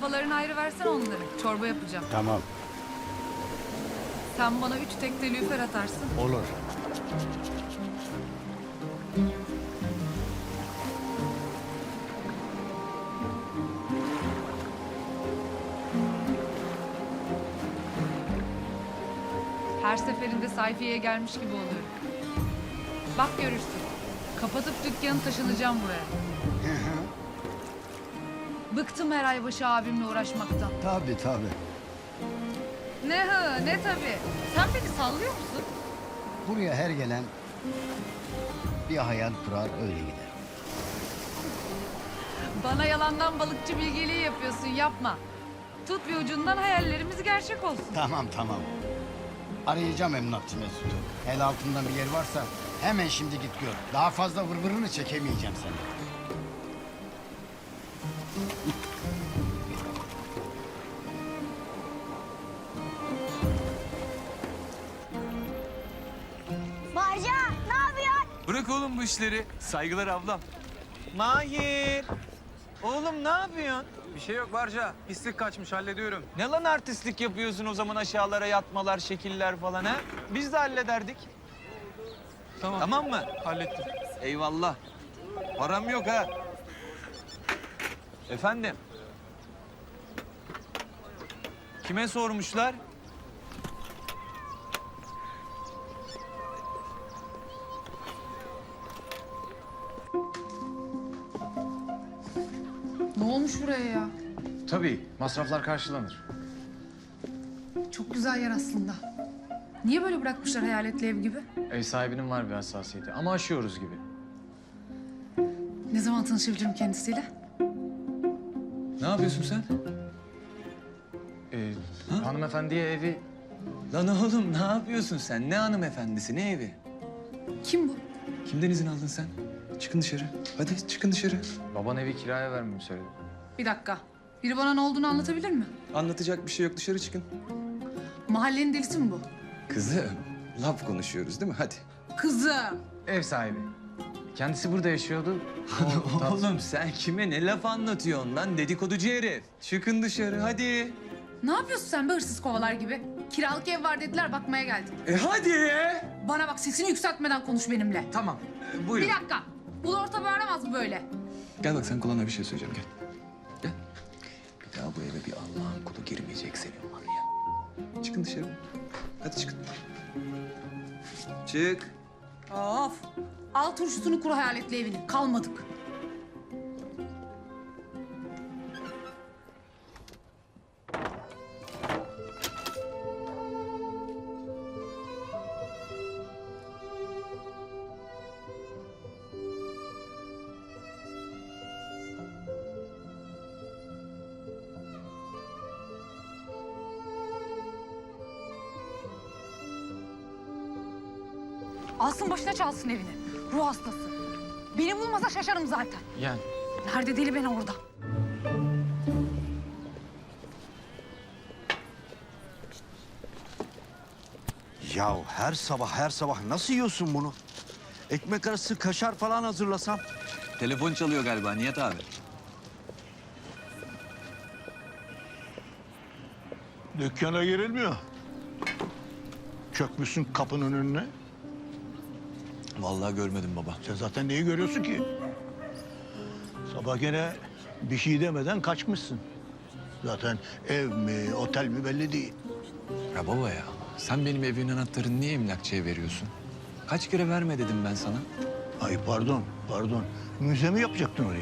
Kafalarını ayrı versen onları. Çorba yapacağım. Tamam, Sen bana 3 tekne lüfer atarsın. olur. Her seferinde sayfiyeye gelmiş gibi oluyorum. Bak görürsün. Kapatıp dükkanı taşınacağım buraya. Bıktım her ay başı abimle uğraşmaktan. Tabii tabii. Ne hı ne tabii. Sen beni sallıyor musun? Buraya her gelen bir hayal kurar öyle gider. Bana yalandan balıkçı bilgeliği yapıyorsun, yapma. Tut bir ucundan hayallerimiz gerçek olsun. Tamam tamam. Arayacağım emlakçı Mesut'u. El altından bir yer varsa hemen şimdi git gör. Daha fazla vırvırını çekemeyeceğim seni. Barca ne yapıyorsun? Bırak oğlum bu işleri. Saygılar ablam. Mahir! Oğlum ne yapıyorsun? Bir şey yok Barca. Pislik kaçmış hallediyorum. Ne lan artistlik yapıyorsun o zaman aşağılara yatmalar, şekiller falan ha? Biz de hallederdik. Tamam. Tamam mı? Hallettim. Eyvallah. Param yok ha. Efendim? Kime sormuşlar? Ne olmuş buraya ya? Tabii, masraflar karşılanır. Çok güzel yer aslında. Niye böyle bırakmışlar hayaletli ev gibi? Ev sahibinin var bir hassasiyeti ama aşıyoruz gibi. Ne zaman tanışabilirim kendisiyle? Ne yapıyorsun sen? Hanımefendiye evi... Lan oğlum ne yapıyorsun sen? Ne hanımefendisi, ne evi? Kim bu? Kimden izin aldın sen? Çıkın dışarı. Hadi çıkın dışarı. Baban evi kiraya vermemi söyledi. Bir dakika. Biri bana ne olduğunu anlatabilir mi? Anlatacak bir şey yok. Dışarı çıkın. Mahallenin delisi mi bu? Kızım, laf konuşuyoruz değil mi? Hadi. Kızım. Ev sahibi. Kendisi burada yaşıyordu. O tat- Oğlum sen kime ne laf anlatıyorsun lan dedikoducu herif? Çıkın dışarı hadi. Ne yapıyorsun sen be hırsız kovalar gibi? Kiralık ev var dediler bakmaya geldim. Hadi! Bana bak sesini yükseltmeden konuş benimle. Tamam. Buyurun. Bir dakika. Ulu orta bağıramaz mı böyle? Gel bak sen kulağına bir şey söyleyeceğim gel. Gel. Bir daha bu eve bir Allah'ın kulu girmeyecek senin var ya. Çıkın dışarı. Hadi çıkın. Çık. Of. Al turşusunu kuru hayaletli evini. Kalmadık. Alsın başına çalsın evini. Ruh hastası. Beni bulmasa şaşarım zaten. Yani Nerede deli ben orada. Ya her sabah nasıl yiyorsun bunu? Ekmek arası kaşar falan hazırlasam. Telefon çalıyor galiba Nihat abi. Dükkana girilmiyor. Çökmüşsün kapının önüne. Vallahi görmedim baba. Sen zaten neyi görüyorsun ki? Sabah gene bir şey demeden kaçmışsın. Zaten ev mi, otel mi belli değil. Ya baba ya, sen benim evimin anahtarını niye emlakçıya veriyorsun? Kaç kere verme dedim ben sana. Ay pardon. Müze mi yapacaktın orayı?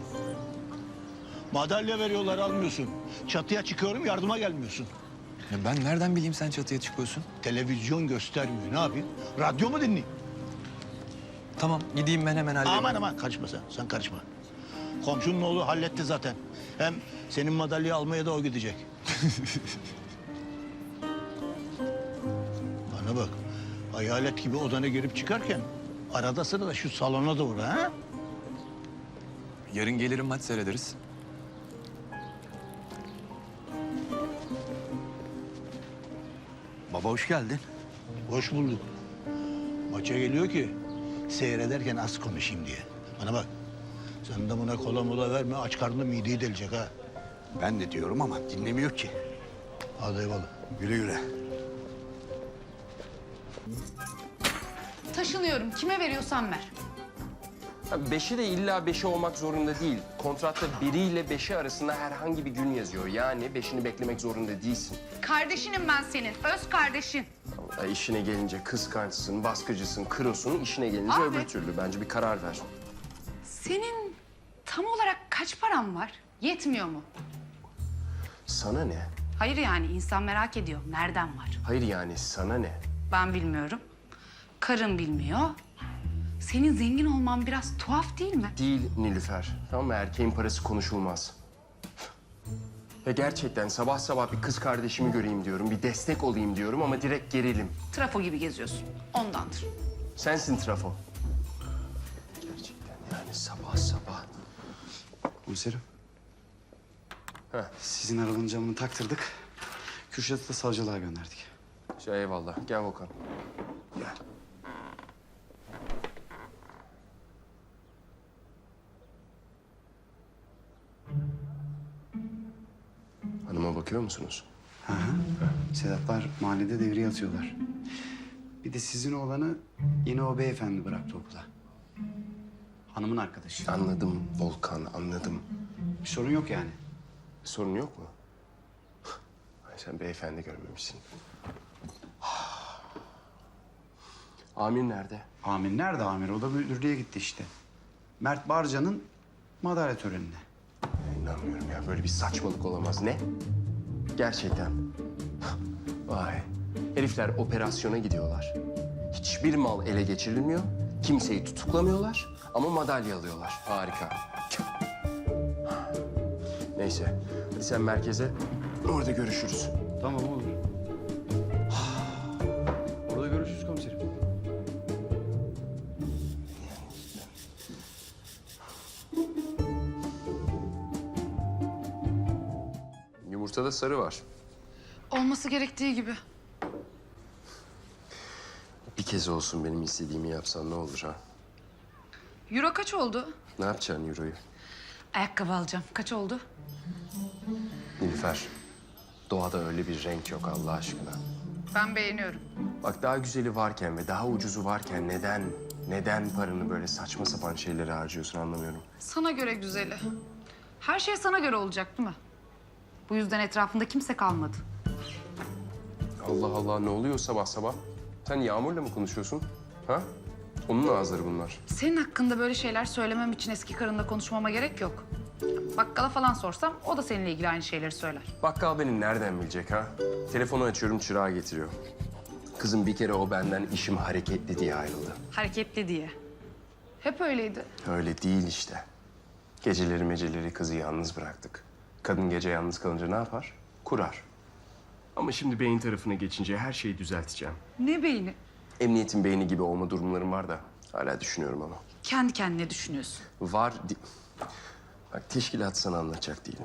Madalya veriyorlar almıyorsun. Çatıya çıkıyorum yardıma gelmiyorsun. Ya ben nereden bileyim sen çatıya çıkıyorsun? Televizyon göstermiyor ne yapayım? Radyo mu dinleyeyim? Tamam, gideyim ben hemen halledeyim. Aman karışma sen karışma. Komşunun oğlu halletti zaten. Hem senin madalyayı almaya da o gidecek. Bana bak, hayalet gibi odana girip çıkarken arada sırada şu salona da uğra ha? Yarın gelirim maç seyrederiz. Baba hoş geldin. Hoş bulduk. Maça geliyor ki seyrederken az konuşayım diye. Bana bak, sen de buna kola mola verme, aç karnına mideyi delecek ha. Ben de diyorum ama dinlemiyor ki. Hadi eyvallah. Güle güle. Taşınıyorum. Kime veriyorsan ver. Beşi de illa beşi olmak zorunda değil. Kontratta biriyle beşi arasında herhangi bir gün yazıyor. Yani beşini beklemek zorunda değilsin. Kardeşinim ben senin. Öz kardeşin. İşine gelince kıskançsın, baskıcısın, kırosun. İşine gelince Abi. öbür türlü. Bence bir karar ver. Senin tam olarak kaç paran var? Yetmiyor mu? Sana ne? Hayır yani insan merak ediyor. Nereden var? Hayır yani sana ne? Ben bilmiyorum. Karın bilmiyor. Senin zengin olman biraz tuhaf değil mi? Değil Nilüfer. Tamam mı? Erkeğin parası konuşulmaz. Ve gerçekten sabah sabah bir kız kardeşimi göreyim diyorum. Bir destek olayım diyorum ama direkt gerilim. Trafo gibi geziyorsun. Ondandır. Sensin trafo. Gerçekten yani sabah sabah. Komiserim. Heh. Sizin arabanın camını taktırdık. Kürşat'ı da savcılığa gönderdik. Eyvallah. Gel Volkan. Gel. Hanıma bakıyor musunuz? Hı hı. Sedatlar mahallede devriye atıyorlar. Bir de sizin oğlanı yine o beyefendi bıraktı okula. Hanımın arkadaşı. Anladım Volkan, anladım. Bir sorun yok yani. Sorun yok mu? Ay, sen beyefendi görmemişsin. Amir nerede? Amir nerede amir? O da müdürlüğe gitti işte. Mert Barca'nın madalya törenine. İnanmıyorum ya. Böyle bir saçmalık olamaz. Ne? Gerçekten. Vay. Herifler operasyona gidiyorlar. Hiçbir mal ele geçirilmiyor. Kimseyi tutuklamıyorlar ama madalya alıyorlar. Harika. Neyse. Hadi sen merkeze. Orada görüşürüz. Tamam olur. Orada görüşürüz komiserim. Yumurtada sarı var. Olması gerektiği gibi. Bir kez olsun benim istediğimi yapsan ne olur ha? Euro kaç oldu? Ne yapacaksın euroyu? Ayakkabı alacağım. Kaç oldu? Nilüfer, doğada öyle bir renk yok Allah aşkına. Ben beğeniyorum. Bak daha güzeli varken ve daha ucuzu varken neden paranı böyle saçma sapan şeylere harcıyorsun anlamıyorum. Sana göre güzeli. Her şey sana göre olacak değil mi? Bu yüzden etrafında kimse kalmadı. Allah Allah ne oluyor sabah sabah? Sen Yağmur'la mı konuşuyorsun? Ha? Onun ağızları bunlar. Senin hakkında böyle şeyler söylemem için eski karınla konuşmama gerek yok. Bakkala falan sorsam o da seninle ilgili aynı şeyleri söyler. Bakkal beni nereden bilecek ha? Telefonu açıyorum çırağı getiriyor. Kızım bir kere o benden işim hareketli diye ayrıldı. Hareketli diye. Hep öyleydi. Öyle değil işte. Geceleri kızı yalnız bıraktık. Kadın gece yalnız kalınca ne yapar? Kurar. Ama şimdi beyin tarafına geçince her şeyi düzelteceğim. Ne beyni? Emniyetin beyni gibi olma durumlarım var da hala düşünüyorum ama. Kendi kendine düşünüyorsun. Bak teşkilat sana anlatacak değilim.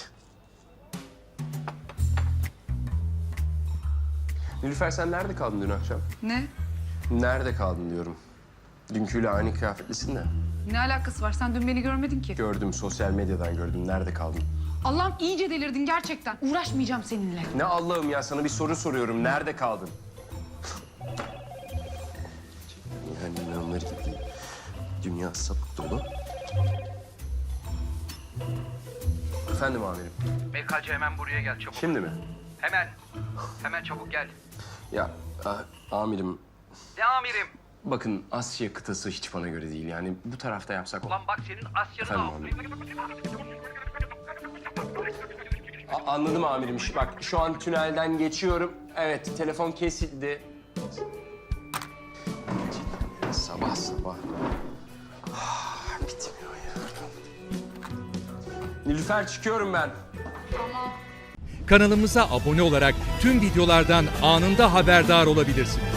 Nilüfer sen nerede kaldın dün akşam? Ne? Nerede kaldın diyorum. Dünküyle aynı kıyafetlisin de. Ne alakası var? Sen dün beni görmedin ki. Gördüm sosyal medyadan gördüm. Nerede kaldın? Allah'ım iyice delirdin gerçekten. Uğraşmayacağım seninle. Ne Allah'ım ya sana bir soru soruyorum. Nerede kaldın? Yani inanılır gibi değil. Dünya sapık dolu. Efendim amirim. BKC hemen buraya gel çabuk. Şimdi mi? Hemen. Hemen çabuk gel. Ya amirim Ne amirim? bakın Asya kıtası hiç bana göre değil. Yani bu tarafta yapsak... Ulan bak senin Asya'nın Efendim amirim. Anladım amirim. Bak şu an tünelden geçiyorum. Evet telefon kesildi. Sabah sabah. Bitmiyor ya. Nilüfer çıkıyorum ben. Kanalımıza abone olarak tüm videolardan anında haberdar olabilirsiniz.